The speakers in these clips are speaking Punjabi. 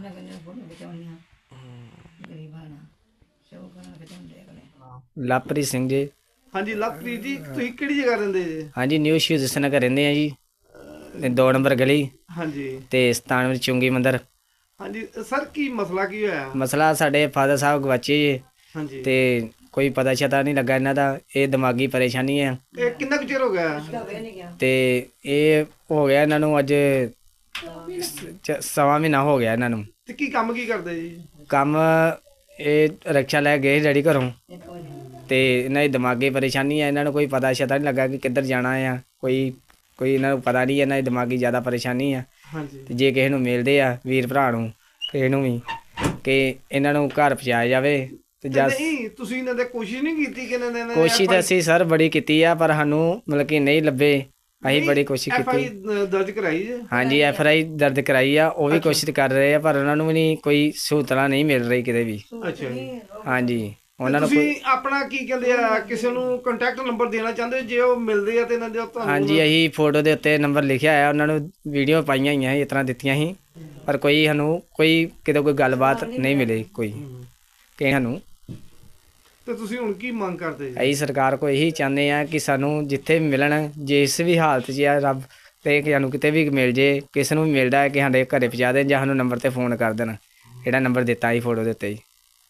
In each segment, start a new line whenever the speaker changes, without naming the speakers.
ਲਵਪ੍ਰੀਤ ਸਿੰਘ ਜੀ।
ਹਾਂਜੀ ਲਵਪ੍ਰੀਤ ਜੀ, ਤੁਸੀਂ ਕਿਹੜੀ ਜਗ੍ਹਾ ਰਹਿੰਦੇ ਜੀ?
ਹਾਂਜੀ ਨਿਊ ਸ਼ਹੀਦ ਨਗਰ ਰਹਿੰਦੇ ਆ ਜੀ, 2 ਨੰਬਰ ਗਲੀ
ਹਾਂਜੀ
ਤੇ ਸਤਾਨਵੇਂ ਚੁੰਗੀ ਮੰਦਰ।
ਹਾਂਜੀ ਸਰ, ਕੀ ਮਸਲਾ ਕੀ ਹੋਇਆ?
ਮਸਲਾ ਸਾਡੇ ਫਾਦਰ ਸਾਹਿਬ ਗਵਾਚੇ ਜੀ
ਹਾਂਜੀ
ਤੇ ਕੋਈ ਪਤਾ ਸ਼ਤਾ ਨਹੀਂ ਲੱਗਾ ਇਹਨਾਂ ਦਾ। ਇਹ ਦਿਮਾਗੀ ਪਰੇਸ਼ਾਨੀ ਹੈ
ਇਹ ਕਿੰਨਾ ਕੁ ਚਿਰ ਹੋ ਗਿਆ?
ਤੇ ਇਹ ਹੋ ਗਿਆ ਇਹਨਾਂ ਨੂੰ ਅੱਜ ਸਵਾ ਮਹੀਨਾ ਹੋ ਗਿਆ ਇਹਨਾਂ ਨੂੰ।
ਤੇ ਕੀ ਕੰਮ ਕੀ ਕਰਦੇ ਜੀ?
ਕੰਮ ਇਹ ਰਿਕਸ਼ਾ ਲੈ ਗਏ ਡੈਡੀ ਘਰੋਂ ਤੇ ਇਹਨਾਂ ਦੀ ਦਿਮਾਗੀ ਪਰੇਸ਼ਾਨੀ ਹੈ। ਇਹਨਾਂ ਨੂੰ ਕੋਈ ਪਤਾ ਸ਼ਤਾ ਨਹੀਂ ਲੱਗਾ ਕਿ ਕਿੱਧਰ ਜਾਣਾ ਆ। ਕੋਈ ਇਹਨਾਂ ਨੂੰ ਪਤਾ ਨਹੀਂ, ਇਹਨਾਂ ਦੀ ਦਿਮਾਗੀ ਜ਼ਿਆਦਾ ਪਰੇਸ਼ਾਨੀ ਆ।
ਹਾਂਜੀ
ਤੇ ਜੇ ਕਿਸੇ ਨੂੰ ਮਿਲਦੇ ਆ ਵੀਰ ਭਰਾ ਨੂੰ, ਕਿਸੇ ਨੂੰ ਵੀ, ਕਿ ਇਹਨਾਂ ਨੂੰ ਘਰ ਪਹੁੰਚਾਇਆ ਜਾਵੇ ਤੇ
ਨਹੀਂ ਤੁਸੀਂ ਇਹਨਾਂ ਦੇ ਕੋਸ਼ਿਸ਼ ਨਹੀਂ ਕੀਤੀ ਕਿ ਇਹਨਾਂ ਨੇ
ਕੋਸ਼ਿਸ਼ ਤਾਂ ਅਸੀਂ ਸਰ ਬੜੀ ਕੀਤੀ ਆ, ਪਰ ਸਾਨੂੰ ਮਤਲਬ ਕਿ ਨਹੀਂ ਲੱਭੇ। ਅਸੀਂ ਬੜੀ ਕੋਸ਼ਿਸ਼ ਕੀਤੀ।
ਦਰਜ ਕਰਾਈ ਜੀ?
ਹਾਂਜੀ FIR ਦਰਜ ਕਰਾਈ ਆ, ਉਹ ਵੀ ਕੋਸ਼ਿਸ਼ ਕਰ ਰਹੇ ਆ, ਪਰ ਉਹਨਾਂ ਨੂੰ ਵੀ ਨਹੀਂ ਕੋਈ ਸਹੂਲਤਾਂ ਨਹੀਂ ਮਿਲ ਰਹੀ ਕਿਤੇ ਵੀ।
ਅੱਛਾ ਜੀ।
ਹਾਂਜੀ ਉਹਨਾਂ ਨੂੰ
ਤੁਸੀਂ ਆਪਣਾ ਕੀ ਕਹਿੰਦੇ ਆ, ਕਿਸੇ ਨੂੰ ਕੰਟੈਕਟ ਨੰਬਰ ਦੇਣਾ ਚਾਹੁੰਦੇ ਹੋ? ਜੇ ਉਹ ਮਿਲਦੇ ਆ ਤੇ ਇਹਨਾਂ ਦੇ ਤੁਹਾਨੂੰ?
ਹਾਂਜੀ ਅਸੀਂ ਫੋਟੋ ਦੇ ਉੱਤੇ ਨੰਬਰ ਲਿਖਿਆ ਆ, ਉਹਨਾਂ ਨੂੰ ਵੀਡੀਓ ਪਾਈਆਂ ਹੋਈਆਂ ਸੀ, ਇਸ ਤਰ੍ਹਾਂ ਦਿੱਤੀਆਂ ਸੀ, ਪਰ ਕੋਈ ਸਾਨੂੰ ਕੋਈ ਕਿਤੇ ਕੋਈ ਗੱਲਬਾਤ ਨਹੀਂ ਮਿਲੀ ਕੋਈ ਕਿਸੇ ਸਾਨੂੰ।
ਤੇ ਤੁਸੀਂ ਹੁਣ ਕੀ ਮੰਗ ਕਰਦੇ ਜੀ?
ਅਸੀਂ ਸਰਕਾਰ ਕੋਲ ਇਹੀ ਚਾਹੁੰਦੇ ਆ ਕਿ ਸਾਨੂੰ ਜਿੱਥੇ ਵੀ ਮਿਲਣ, ਜਿਸ ਵੀ ਹਾਲਤ 'ਚ ਆ ਰੱਬ ਤੇ ਕਿ ਸਾਨੂੰ ਕਿਤੇ ਵੀ ਮਿਲ ਜੇ, ਕਿਸੇ ਨੂੰ ਵੀ ਮਿਲਦਾ ਹੈ ਕਿ ਸਾਡੇ ਘਰੇ ਪਹੁੰਚਾ ਦੇਣ ਜਾਂ ਸਾਨੂੰ ਨੰਬਰ 'ਤੇ ਫੋਨ ਕਰ ਦੇਣ, ਜਿਹੜਾ ਨੰਬਰ ਦਿੱਤਾ ਸੀ ਫੋਟੋ ਦੇ ਉੱਤੇ ਜੀ।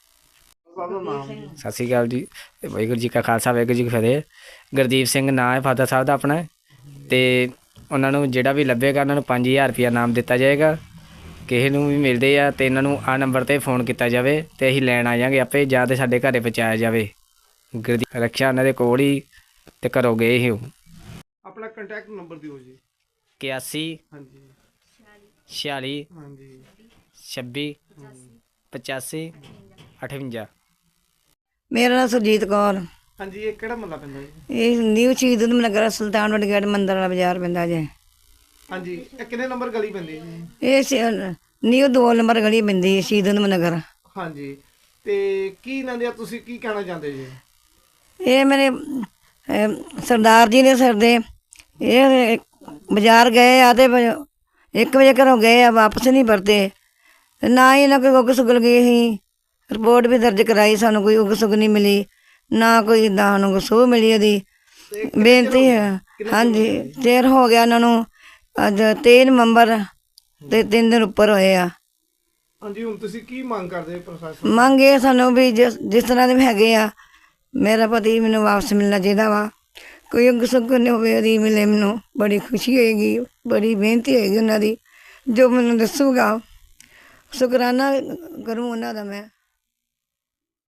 ਸਤਿ ਸ਼੍ਰੀ ਅਕਾਲ ਜੀ। ਵਾਹਿਗੁਰੂ ਜੀ ਕਾ ਖਾਲਸਾ ਵਾਹਿਗੁਰੂ ਜੀ ਕੀ ਫਤਿਹ। ਗੁਰਦੀਪ ਸਿੰਘ ਨਾਂ ਹੈ ਫਾਦਰ ਸਾਹਿਬ ਦਾ ਆਪਣਾ, ਅਤੇ ਉਹਨਾਂ ਨੂੰ ਜਿਹੜਾ ਵੀ ਲੱਭੇਗਾ ਉਹਨਾਂ ਨੂੰ 5000 ਰੁਪਇਆ ਇਨਾਮ ਦਿੱਤਾ ਜਾਏਗਾ। ਕਿਸੇ ਨੂੰ ਵੀ ਮਿਲਦੇ ਆ ਅਤੇ ਇਹਨਾਂ ਨੂੰ ਆਹ ਨੰਬਰ 'ਤੇ ਫ਼ੋਨ ਕੀਤਾ ਜਾਵੇ ਅਤੇ ਅਸੀਂ ਲੈਣ ਆ ਜਾਵਾਂਗੇ ਆਪੇ, ਜਾਂ ਤਾਂ ਸਾਡੇ ਘਰ ਪਹੁੰਚਾਇਆ ਜਾਵੇ। ਗੁਰਦੀਪ ਰਕਸ਼ਾ ਉਹਨਾਂ ਦੇ ਕੋਲ ਹੀ ਅਤੇ ਘਰੋਂ ਗਏ ਸੀ ਉਹ।
ਆਪਣਾ ਕੰਟੈਕਟ ਨੰਬਰ ਦਿਓ ਜੀ।
81
ਹਾਂਜੀ
46
ਹਾਂਜੀ
26 85 58।
ਮੇਰਾ ਨਾਮ ਸੁਰਜੀਤ ਕੌਰ।
ਹਾਂਜੀ ਇਹ ਕਿਹੜਾ ਮਹੱਲਾ ਪੈਂਦਾ ਜੀ?
ਇਹ ਨਿਊ ਸ਼ਹੀਦ ਊਧਮ ਨਗਰ ਸੁਲਤਾਨਪੁਰ ਗੇਟ ਮੰਦਰ ਵਾਲਾ ਬਾਜ਼ਾਰ ਪੈਂਦਾ ਜੇ।
ਹਾਂਜੀ ਇਹ ਕਿੰਨੇ ਨੰਬਰ ਗਲੀ ਪੈਂਦੀ ਜੀ?
ਇਹ ਨਿਊ 2 ਨੰਬਰ ਗਲੀ ਪੈਂਦੀ ਹੈ ਸ਼ਹੀਦ ਊਧਮ ਨਗਰ।
ਹਾਂਜੀ ਤੇ ਕੀ ਇਹਨਾਂ ਦੇ ਤੁਸੀਂ ਕੀ ਕਹਿਣਾ ਚਾਹੁੰਦੇ ਜੀ?
ਇਹ ਮੇਰੇ ਸਰਦਾਰ ਜੀ ਨੇ ਸਰ ਦੇ, ਇਹ ਬਾਜ਼ਾਰ ਗਏ ਆ ਤੇ 1 ਵਜੇ ਘਰੋਂ ਗਏ ਆ, ਵਾਪਸ ਨਹੀਂ ਪਰਤੇ। ਨਾ ਹੀ ਇਹਨਾਂ ਕੋਈ ਉੱਗ ਸੁਗਲ ਗਈ ਸੀ, ਰਿਪੋਰਟ ਵੀ ਦਰਜ ਕਰਾਈ, ਸਾਨੂੰ ਕੋਈ ਉੱਗ ਸੁਗ ਨਹੀਂ ਮਿਲੀ, ਨਾ ਕੋਈ ਇੱਦਾਂ ਸਾਨੂੰ ਸੂਹ ਮਿਲੀ। ਇਹਦੀ ਬੇਨਤੀ ਹੈ। ਹਾਂਜੀ ਚਿਰ ਹੋ ਗਿਆ ਇਹਨਾਂ ਨੂੰ, ਅੱਜ 23 ਨਵੰਬਰ ਤੇ 3 ਦਿਨ ਉੱਪਰ ਹੋਏ ਆ।
ਹਾਂਜੀ ਹੁਣ ਤੁਸੀਂ ਕੀ ਮੰਗ ਕਰਦੇ ਪ੍ਰਸ਼ਾਸਨ?
ਮੰਗ ਇਹ ਸਾਨੂੰ ਵੀ ਜਿਸ ਤਰ੍ਹਾਂ ਦੇ ਹੈਗੇ ਆ, ਮੇਰਾ ਪਤੀ ਮੈਨੂੰ ਵਾਪਸ ਮਿਲਣਾ ਚਾਹੀਦਾ ਵਾ। ਕੋਈ ਉੱਗ ਸੁਗ ਨਹੀਂ ਹੋਵੇ, ਉਹਦੀ ਮਿਲੇ ਮੈਨੂੰ ਬੜੀ ਖੁਸ਼ੀ ਹੋਏਗੀ, ਬੜੀ ਬੇਨਤੀ ਹੋਏਗੀ ਉਹਨਾਂ ਦੀ। ਜੋ ਮੈਨੂੰ ਦੱਸੂਗਾ ਸ਼ੁਕਰਾਨਾ ਕਰੂੰ ਉਹਨਾਂ ਦਾ ਮੈਂ।